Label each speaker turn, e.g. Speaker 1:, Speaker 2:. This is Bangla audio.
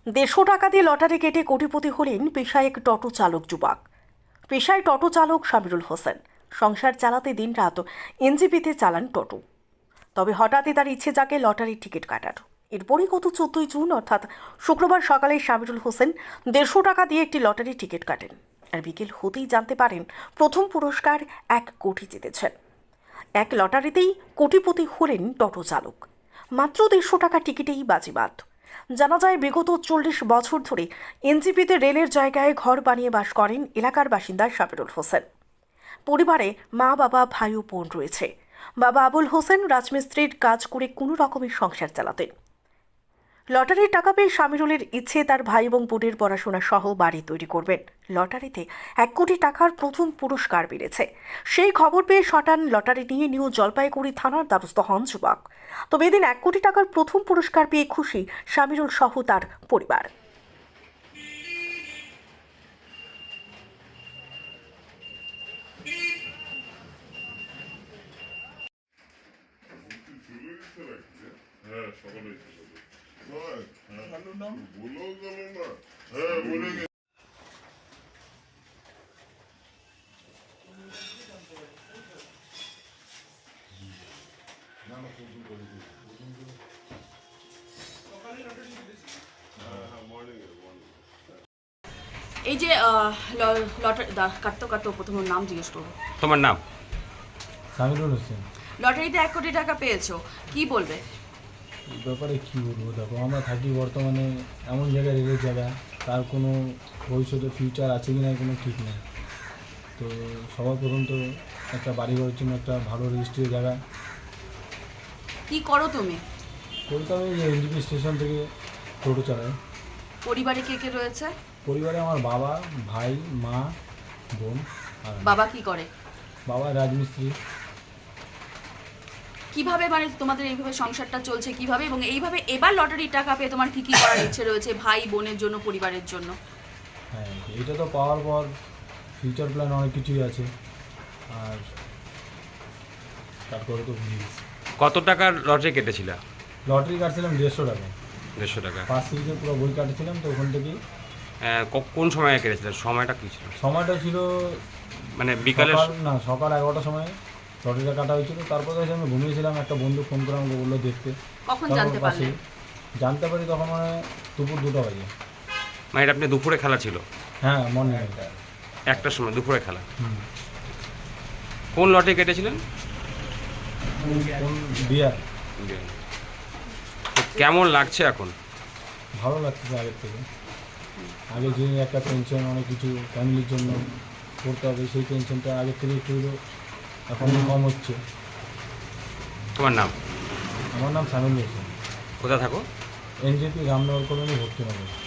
Speaker 1: 150 টাকা দিয়ে লটারি কেটে কোটিপতি হলেন পেশায় এক টোটো চালক যুবক। পেশায় টোটো চালক সামিরুল হোসেন সংসার চালাতে দিনরাত এনজিপিতে চালান টোটো। তবে হঠাৎই তার ইচ্ছে জাগে লটারির টিকিট কাটার। এরপরই গত 14 জুন অর্থাৎ শুক্রবার সকালে সামিরুল হোসেন 150 টাকা দিয়ে একটি লটারির টিকিট কাটেন। আর বিকেল হতেই জানতে পারেন প্রথম পুরস্কার 1 কোটি জিতেছেন। এক লটারিতেই কোটিপতি হলেন টোটো চালক। মাত্র 150 টাকা টিকিটেই বাজিমাত। জানা যায় বিগত 40 বছর ধরে এনজিপিতে রেলের জায়গায় ঘর বানিয়ে বাস করেন এলাকার বাসিন্দা সামিরুল হোসেন। পরিবারে মা, বাবা, ভাই ও বোন রয়েছে। বাবা আবুল হোসেন রাজমিস্ত্রির কাজ করে কোনো রকমের সংসার চালাতেন। লটারির টাকা পেয়ে সামিরুলের ইচ্ছে তার ভাই এবং বোনের পড়াশোনা সহ বাড়ি তৈরি করবেন। লটারিতে 1 কোটি টাকার প্রথম পুরস্কার মিলেছে। সেই খবর পেয়ে শটান লটারি নিয়ে নিউ জলপাইগুড়ি থানার দ্বারস্থ হন যুবক। তবে এদিন 1 কোটি টাকার প্রথম পুরস্কার পেয়ে খুশি সামিরুল সহ তার পরিবার।
Speaker 2: হ্যাঁ সকালে বলেও গেল না। হ্যাঁ বলে গেল।
Speaker 3: এই যে লটারি কাটতে কাটতে প্রথম নাম জিজ্ঞেস করবো।
Speaker 4: তোমার নাম?
Speaker 5: সামিরুল হোসেন।
Speaker 3: লটারিতে 1 কোটি টাকা পেয়েছো, কি বলবে?
Speaker 5: এই ব্যাপারে কী বলবো, দেখো আমরা থাকি বর্তমানে এমন জায়গায়, রেলের জায়গা, তার কোনো ভবিষ্যতে ফিউচার আছে কি না কোনো ঠিক নেই। তো সবার প্রথম তো একটা বাড়ি ঘরের জন্য একটা ভালো রেজিস্ট্রির জায়গা।
Speaker 3: কি করো তুমি?
Speaker 5: কলকাতা এই এনজিপি স্টেশন থেকে টোটো চালাই।
Speaker 3: পরিবারে কে কে রয়েছে?
Speaker 5: পরিবারে আমার বাবা, ভাই, মা, বোন আর আমি।
Speaker 3: বাবা কি করে?
Speaker 5: বাবা রাজমিস্ত্রি।
Speaker 3: কিভাবে মানে তোমাদের এইভাবে সংসারটা চলছে কিভাবে, এবং এইভাবে এবার লটারির টাকা পেয়ে তোমার কি কি করার ইচ্ছে রয়েছে ভাই বোনের জন্য, পরিবারের জন্য?
Speaker 5: হ্যাঁ, এটা তো পাওয়ার পর ফিউচার প্ল্যান অনেক কিছুই আছে। আর তারপরে তো ভুলে গেছি।
Speaker 4: কত টাকার লটারি কেটেছিল?
Speaker 5: লটারি কাটছিলাম 150 টাকা।
Speaker 4: 150 টাকা।
Speaker 5: ফার্স্ট সিরিজে পুরো বই কাটছিলাম, তো ওখান থেকেই।
Speaker 4: কোন সময়ে কেটেছিল? সময়টা কী ছিল?
Speaker 5: সময়টা ছিল
Speaker 4: মানে বিকালে?
Speaker 5: সকাল 11টার সময় লটারিটা কাটা হয়েছিল। তারপরে এসে আমি ঘুমিয়েছিলাম, একটা বন্ধু ফোন করে আমাকে বললো দেখতে।
Speaker 3: কখন জানতে পারলে?
Speaker 5: জানতে পারি তখন মানে দুপুর 2টা বাজে।
Speaker 4: মানে এটা আপনি দুপুরে খেলা ছিল?
Speaker 5: হ্যাঁ, মর্নিং
Speaker 4: 1টার সময় দুপুরে খেলা।
Speaker 5: হুম।
Speaker 4: কোন লটারি কেটেছিলেন?
Speaker 5: কোন বিয়ার।
Speaker 4: তো কেমন লাগছে এখন?
Speaker 5: ভালো লাগছে আগের থেকে। আগে যে একটা টেনশন, অনেক কিছু ফ্যামিলির জন্য করতে হবে, সেই টেনশনটা আগের থেকে একটু এখন কম হচ্ছে।
Speaker 4: তোমার নাম?
Speaker 5: আমার নাম সামিরুল হোসেন।
Speaker 4: কোথায় থাকো?
Speaker 5: এনজেপি রামনগর কলোনি ভর্তি নগর।